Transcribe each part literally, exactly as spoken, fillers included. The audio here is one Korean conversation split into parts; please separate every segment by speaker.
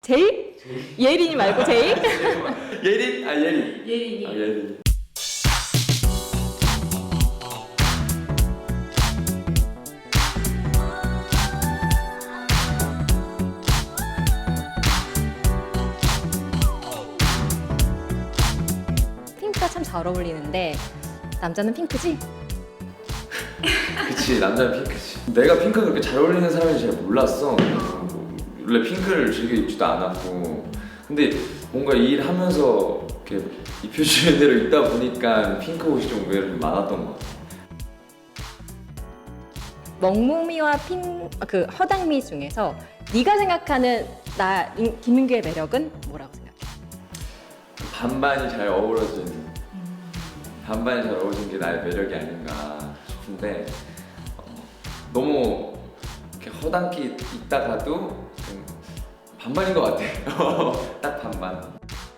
Speaker 1: 제이? 예린이 말고 제이?
Speaker 2: 예린? 아 예린.
Speaker 3: 예린이.
Speaker 2: 아 예린.
Speaker 1: 핑크가 참 잘 어울리는데 남자는 핑크지?
Speaker 2: 그치, 남자는 핑크지. 내가 핑크가 그렇게 잘 어울리는 사람인지 잘 몰랐어. 뭐, 원래 핑크를 즐겨 입지도 않았고. 근데 뭔가 이 일 하면서 이렇게 입혀주는 대로 입다 보니까 핑크 옷이 좀 의외로 좀 많았던 것 같아.
Speaker 1: 먹무미와 핑, 그 허당미 중에서 네가 생각하는 나 임- 김민규의 매력은 뭐라고 생각해?
Speaker 2: 반반이 잘 어우러진, 반반이 잘 어우러진 게 나의 매력이 아닌가 싶은데, 어, 너무 이렇게 허당기 있다가도 좀 반반인 것 같아. 딱 반반.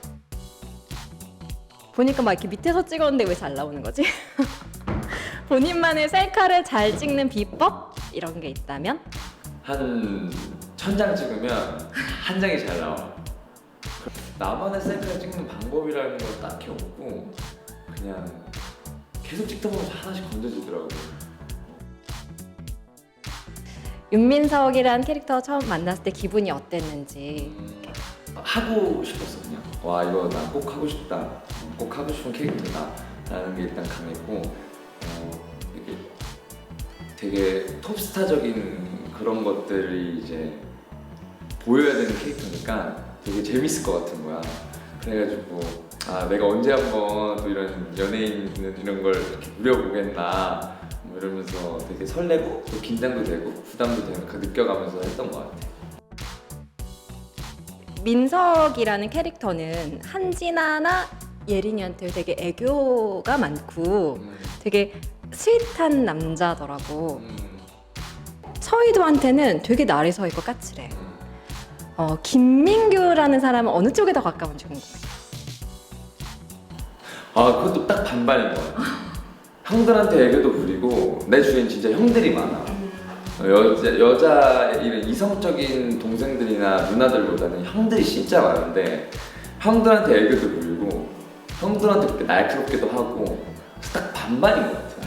Speaker 1: 보니까 막 이렇게 밑에서 찍었는데 왜 잘 나오는 거지? 본인만의 셀카를 잘 찍는 비법? 이런 게 있다면?
Speaker 2: 한 천 장 찍으면 한 장이 잘 나와. 나만의 셀카 찍는 방법이라는 건 딱히 없고 그냥 계속 찍다 보면 하나씩 건져지더라고.
Speaker 1: 윤민석이란 캐릭터 처음 만났을 때 기분이 어땠는지.
Speaker 2: 음, 하고 싶었어 그냥. 와 이거 나 꼭 하고 싶다. 꼭 하고 싶은 캐릭터다. 라는 게 일단 강했고 어, 이게 되게 톱스타적인 그런 것들이 이제 보여야 되는 캐릭터니까 되게 재밌을 것 같은 거야. 그래가지고 아 내가 언제 한번 또 이런 연예인 이런 걸 이렇게 누려보겠나 뭐 이러면서 되게 설레고 또 긴장도 되고 부담도 되는 그 느껴가면서 했던 것 같아.
Speaker 1: 민석이라는 캐릭터는 한진아나 예린이한테 되게 애교가 많고
Speaker 2: 음,
Speaker 1: 되게 스윗한 남자더라고.
Speaker 2: 음,
Speaker 1: 서희도한테는 되게 날이 서 있고 까칠해.
Speaker 2: 음.
Speaker 1: 어, 김민규라는 사람은 어느 쪽에 더 가까운지 궁금해.
Speaker 2: 아 그것도 딱 반반인 것 같아. 형들한테 애교도 부리고 내 주위엔 진짜 형들이 많아. 어, 여자, 여자 이런 이성적인 동생들이나 누나들보다는 형들이 진짜 많은데 형들한테 애교도 부리고 형들한테 그렇게 날카롭게도 하고 딱 반반인 것 같아.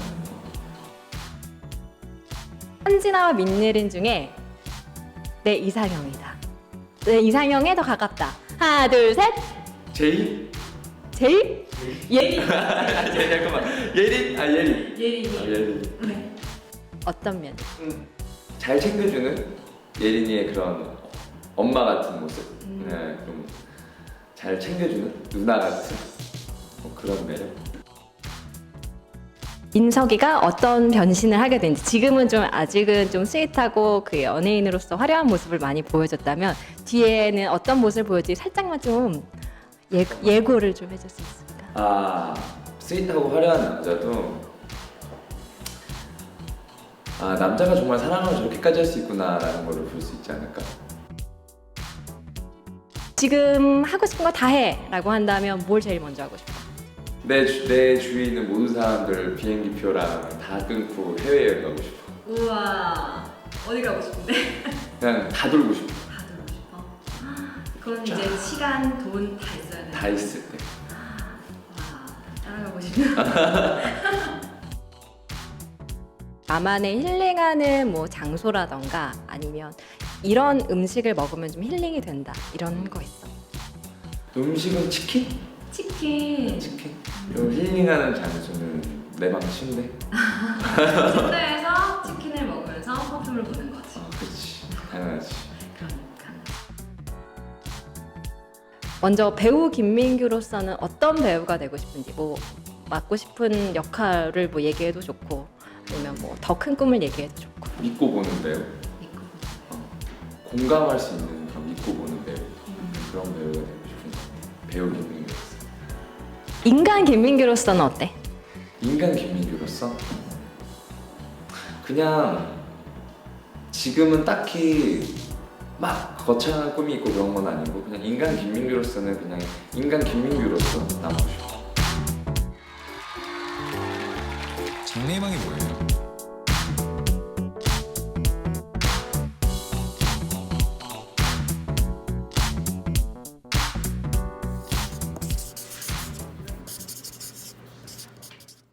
Speaker 1: 한진아와 민예린 중에 내 이상형이다. 내 이상형에 더 가깝다. 하나, 둘, 셋.
Speaker 2: 제이?
Speaker 1: 제이? 예린.
Speaker 2: 아, 제이 잠깐만. 예린? 아 예린.
Speaker 3: 예린이.
Speaker 2: 아 예린.
Speaker 3: 네.
Speaker 1: 어떤 면?
Speaker 2: 음, 잘 챙겨주는 예린이의 그런 엄마 같은 모습.
Speaker 3: 음.
Speaker 2: 네, 좀 잘 챙겨주는 누나 같은 뭐 그런 매력.
Speaker 1: 민석이가 어떤 변신을 하게 되는지 지금은 좀 아직은 좀 스윗하고 그 연예인으로서 화려한 모습을 많이 보여줬다면 뒤에는 어떤 모습을 보여줄지 살짝만 좀 예, 예고를 좀 해줄 수 있을까?
Speaker 2: 아 스윗하고 화려한 남자도 아 남자가 정말 사랑을 저렇게까지 할 수 있구나라는 걸 볼 수 있지 않을까.
Speaker 1: 지금 하고 싶은 거 다 해! 라고 한다면 뭘 제일 먼저 하고 싶어?
Speaker 2: 내, 주, 내 주위에 있는 모든 사람들 비행기표랑 다 끊고 해외여행 가고 싶어.
Speaker 3: 우와. 어디 가고 싶은데?
Speaker 2: 그냥 다 돌고 싶어.
Speaker 3: 다 들고 싶어. 그건 이제 시간, 돈 다 있어야 돼.
Speaker 2: 다 있을 때.
Speaker 3: 와. 따라가고 싶나?
Speaker 1: 나만의 힐링하는 뭐 장소라던가 아니면 이런 음식을 먹으면 좀 힐링이 된다 이런 거 있어.
Speaker 2: 음식은 치킨?
Speaker 3: 치킨.
Speaker 2: 치킨? 요 힐링하는 장소는 내 방 침대?
Speaker 3: 침대에서 치킨을 먹으면서 퍼퓸을 보는 거지.
Speaker 2: 아 그렇지 당연하지.
Speaker 3: 그러니까.
Speaker 1: 먼저 배우 김민규로서는 어떤 배우가 되고 싶은지 뭐 맡고 싶은 역할을 뭐 얘기해도 좋고 아니면 뭐 더 큰 꿈을 얘기해도 좋고.
Speaker 2: 믿고 보는 배우?
Speaker 3: 믿고.
Speaker 2: 공감할 수 있는 그런 믿고 보는 배우
Speaker 3: 음.
Speaker 2: 그런 배우가 되고 싶은 것 같아. 배우 김민규로서.
Speaker 1: 인간 김민규로서는 어때?
Speaker 2: 인간 김민규로서? 그냥 지금은 딱히 막 거창한 꿈이 있고 그런 건 아니고 그냥 인간 김민규로서는 그냥 인간 김민규로서 남고 싶어.
Speaker 4: 장래희망이 뭐예요?